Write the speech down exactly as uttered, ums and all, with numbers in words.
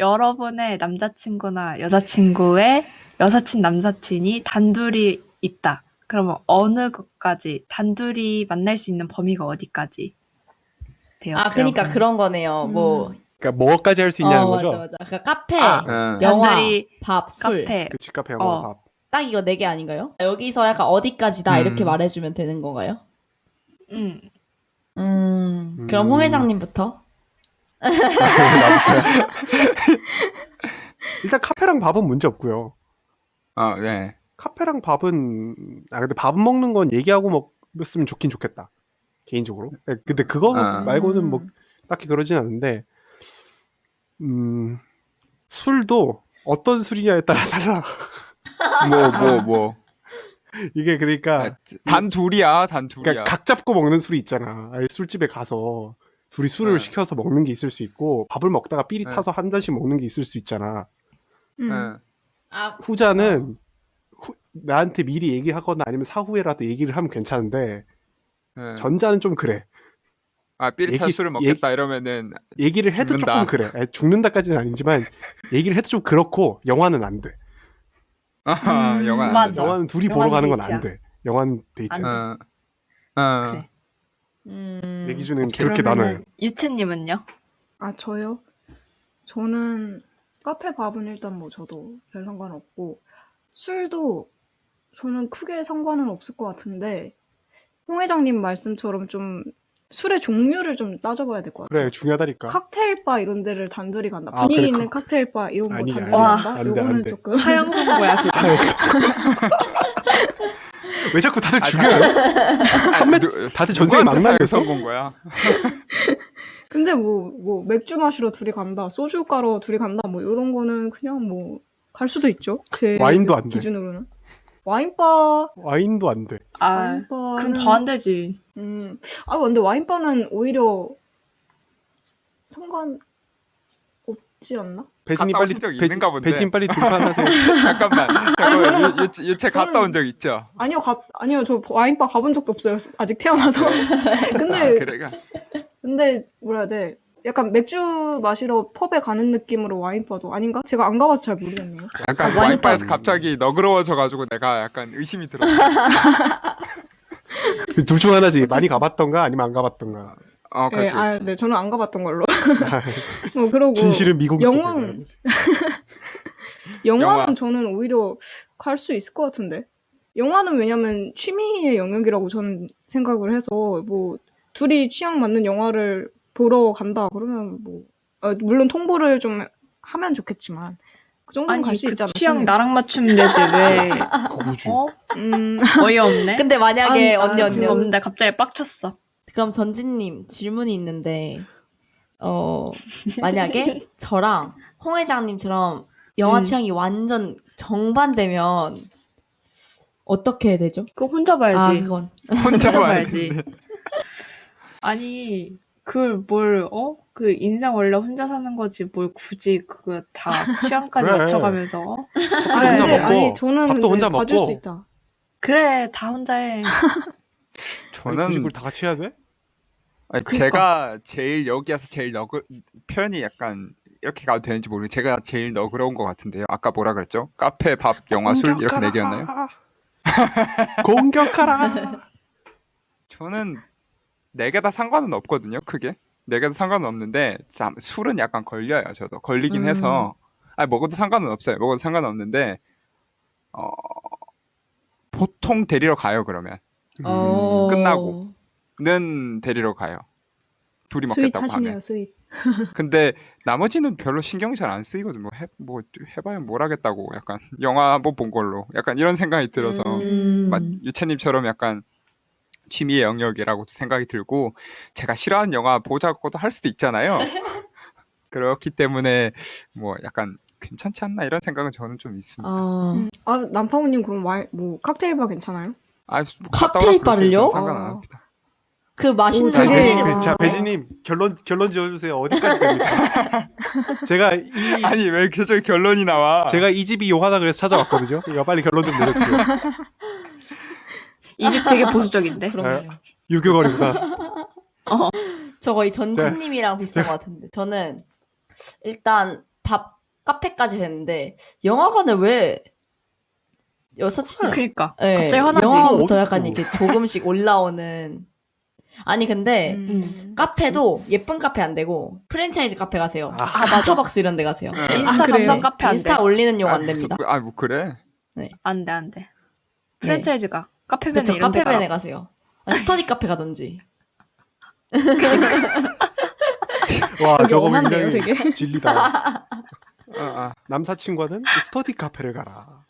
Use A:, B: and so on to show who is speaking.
A: 여러분의 남자친구나 여자친구의 여사친 남사친이 단둘이 있다. 그러면 어느 것까지 단둘이 만날 수 있는 범위가 어디까지 돼요?
B: 아, 그러니까
A: 여러분?
B: 그런 거네요.
A: 음.
B: 뭐.
C: 그러니까 뭐까지 할 수 있냐는
B: 어,
C: 거죠?
B: 맞아, 맞아. 그러니까 카페,
A: 아,
D: 응.
B: 영화,
A: 단둘이
B: 밥, 술.
A: 카페.
C: 그치, 카페, 영화,
A: 어.
C: 밥.
B: 딱 이거 네 개 아닌가요? 여기서 약간 어디까지다 이렇게
D: 음.
B: 말해주면 되는 건가요?
A: 음.
B: 음, 그럼
C: 음.
B: 홍 회장님부터.
C: 나부터야. 일단 카페랑 밥은 문제 없고요.
D: 어, 네.
C: 카페랑 밥은 아 근데 밥 먹는 건 얘기하고 먹었으면 좋긴 좋겠다. 개인적으로. 네, 근데 그거
D: 아.
C: 말고는 뭐 딱히 그러진 않은데 음 술도 어떤 술이냐에 따라 달라.
D: 뭐, 뭐, 뭐.
C: 이게 그러니까
D: 단 둘이야, 단 둘이야.
C: 그러니까 각 잡고 먹는 술이 있잖아. 아예 술집에 가서 둘이 술을
D: 네.
C: 시켜서 먹는 게 있을 수 있고 밥을 먹다가 삘이
D: 네.
C: 타서 한 잔씩 먹는 게 있을 수 있잖아.
A: 음.
D: 응.
B: 아,
C: 후자는 후- 나한테 미리 얘기하거나 아니면 사후에라도 얘기를 하면 괜찮은데
D: 응.
C: 전자는 좀 그래.
D: 아, 삐릿한
C: 얘기-
D: 술을 먹겠다 이러면은
C: 얘기를 해도
D: 죽는다.
C: 조금 그래. 아니, 죽는다까지는 아니지만 얘기를 해도 좀 그렇고 영화는 안 돼.
D: 아,
A: 음,
D: 영화 안
A: 맞아.
D: 된다.
C: 영화는 둘이
A: 영화는
C: 보러 가는 건
A: 데이트야.
C: 안 돼. 영화는 데이트.
A: 안 돼.
D: 어. 어.
A: 그래.
B: 음.
C: 내 기준은 그렇게
A: 그러면은
C: 나눠요.
A: 유채님은요?
E: 아, 저요? 저는 카페 밥은 일단 뭐 저도 별 상관없고 술도 저는 크게 상관은 없을 것 같은데 홍 회장님 말씀처럼 좀 술의 종류를 좀 따져봐야 될 것 같아요.
C: 그래 중요하다니까.
E: 칵테일 바 이런 데를 단둘이 간다.
C: 아,
E: 분위기
C: 그래,
E: 있는
C: 그-
E: 칵테일 바 이런 거
C: 아니야,
E: 단둘이
A: 아니야.
E: 간다?
C: 안 돼,
E: 요거는
C: 안 돼.
E: 조금
A: 사형 선고야 그거.
C: 왜 자꾸 다들
D: 아,
C: 죽여요?
D: 아, 누-
C: 다들 전생에 막
D: 누구한테
C: 날렸어?
D: 사형 본 거야?
E: 근데 뭐, 뭐 맥주 마시러 둘이 간다, 소주 가러 둘이 간다, 뭐 이런 거는 그냥 뭐 갈 수도 있죠. 제
C: 와인도 안 돼.
E: 기준으로는. 와인바,
C: 와인도 안 돼.
A: 아,
E: 와인바는
A: 그건 더 안 되지.
E: 음, 아 근데 와인바는 오히려 상관 없지 않나?
C: 배진이
D: 갔다
C: 빨리
D: 오신 적
C: 배진-
D: 있는가 본데.
C: 배진 빨리 등판하세요.
D: 잠깐만. 잠깐만. 유, 유, 유채 갔다
E: 저는-
D: 온 적 있죠?
E: 아니요, 가, 아니요, 저 와인바 가본 적도 없어요. 아직 태어나서.
D: 아,
E: 근데
D: 그래가.
E: 근데 뭐라 해야 돼? 약간 맥주 마시러 펍에 가는 느낌으로 와인바도 아닌가? 제가 안 가봐서 잘 모르겠네요.
D: 약간
A: 아,
D: 와인바에서
C: 와인바-
D: 갑자기 너그러워져가지고 내가 약간 의심이 들었어.
C: 둘 중 하나지. 많이 가봤던가 아니면 안 가봤던가.
D: 어,
E: 네,
D: 그렇지,
E: 아,
D: 그렇지.
E: 네, 저는 안 가봤던 걸로. 뭐 그러고
C: 진실은 미국
E: 영화는 영화는
D: 영화.
E: 저는 오히려 갈 수 있을 것 같은데. 영화는 왜냐면 취미의 영역이라고 저는 생각을 해서 뭐 둘이 취향 맞는 영화를 보러 간다 그러면 뭐 어, 물론 통보를 좀 하면 좋겠지만 그 정도는
A: 아니
E: 갈 수
A: 그
E: 있지 않나
A: 취향
E: 싶네요.
A: 나랑 맞추면 되지 왜?
C: 고구주.
A: 어?
E: 음,
A: 어이없네.
B: 근데 만약에
A: 아,
B: 언니
A: 아,
B: 언니
A: 지금 없는데 갑자기 빡쳤어.
B: 그럼 전진님 질문이 있는데 어 만약에 저랑 홍 회장님처럼 영화
A: 음.
B: 취향이 완전 정반대면 어떻게 해야 되죠?
A: 그거 혼자 봐야지.
B: 아 그건
D: 혼자
A: 혼자
D: 봐야지.
A: 봐야지. 아니 그걸 뭘 어? 그 인생 원래 혼자 사는 거지 뭘 굳이 그거 다 취향까지
C: 그래.
A: 맞춰가면서 어?
C: 혼자
A: 그래.
E: 근데
C: 먹고,
E: 아니 저는
C: 밥도
E: 근데
C: 혼자
E: 봐줄
C: 먹고.
E: 수 있다.
A: 그래 다 혼자 해.
C: 아니, 굳이
D: 저는
C: 그걸 다 같이 해야 돼?
D: 아니,
A: 그러니까.
D: 제가 제일 여기에서 제일 너그 표현이 약간 이렇게 가도 되는지 모르겠는데 제가 제일 너그러운 것 같은데요. 아까 뭐라 그랬죠? 카페, 밥, 영화, 술 이렇게 네 개였나요?
C: 공격하라.
D: 저는 네 개 다 상관은 없거든요. 크게 네 개 다 상관은 없는데 참, 술은 약간 걸려요. 저도 걸리긴
B: 음.
D: 해서 아니 먹어도 상관은 없어요. 먹어도 상관은 없는데 어 보통 데리러 가요. 그러면
B: 어...
D: 끝나고. 는 데리러 가요. 둘이
E: 스윗
D: 먹겠다고
E: 하시네요,
D: 하면.
E: 스윗.
D: 근데 나머지는 별로 신경이 잘 안 쓰이거든요. 뭐, 해, 뭐 해봐야 뭘 하겠다고 약간 영화 한번 본 걸로 약간 이런 생각이 들어서
B: 음...
D: 막 유채님처럼 약간 취미의 영역이라고도 생각이 들고 제가 싫어하는 영화 보자고도 할 수도 있잖아요. 그렇기 때문에 뭐 약간 괜찮지 않나 이런 생각은 저는 좀 있습니다.
B: 아...
E: 음. 아, 남파우님 그럼 와이, 뭐 칵테일 바 괜찮아요?
D: 아, 뭐 갔다
B: 칵테일
D: 오라 그러세요.
B: 바를요?
D: 저는 상관 안
E: 아.
D: 합니다.
B: 그 맛있는
E: 오,
C: 자,
E: 되게-
B: 거
C: 배진님,
E: 아.
C: 자, 배진님 결론 결론 지어주세요. 어디까지 됩니까? 제가 이
D: 아니 왜 계속 결론이 나와?
C: 제가 이 집이 요하다 그래서 찾아왔거든요. 이거 빨리 결론 좀 내려주세요.
A: 이 집 되게 보수적인데.
B: 그러네요.
C: 유교거리구나.
B: 저 거의 전진님이랑 비슷한 것 같은데 저는 일단 밥 카페까지 됐는데 영화관에 왜 여사친이
A: 그니까
B: 예,
A: 갑자기 화나지.
B: 영화부터
C: 어,
B: 약간
C: 어떡해.
B: 이렇게 조금씩 올라오는 아니 근데
E: 음.
B: 카페도 예쁜 카페 안 되고 프랜차이즈 카페 가세요.
C: 아,
B: 스타벅스 이런 데 가세요.
D: 네.
A: 인스타
B: 아, 그래.
A: 감성 카페 안 돼.
B: 인스타 올리는 용 안
D: 아,
B: 됩니다.
D: 무슨- 아, 뭐 그래?
A: 안 돼, 안 돼. 프랜차이즈가 카페벤에
B: 그쵸,
A: 이런 데
B: 카페벤에
A: 가라.
B: 가세요. 아, 스터디 카페 가든지.
C: 와
E: 되게
C: 저거
E: 엄한데요,
C: 굉장히
E: 되게?
C: 진리다.
D: 아, 아.
C: 남사친과는 스터디 카페를 가라.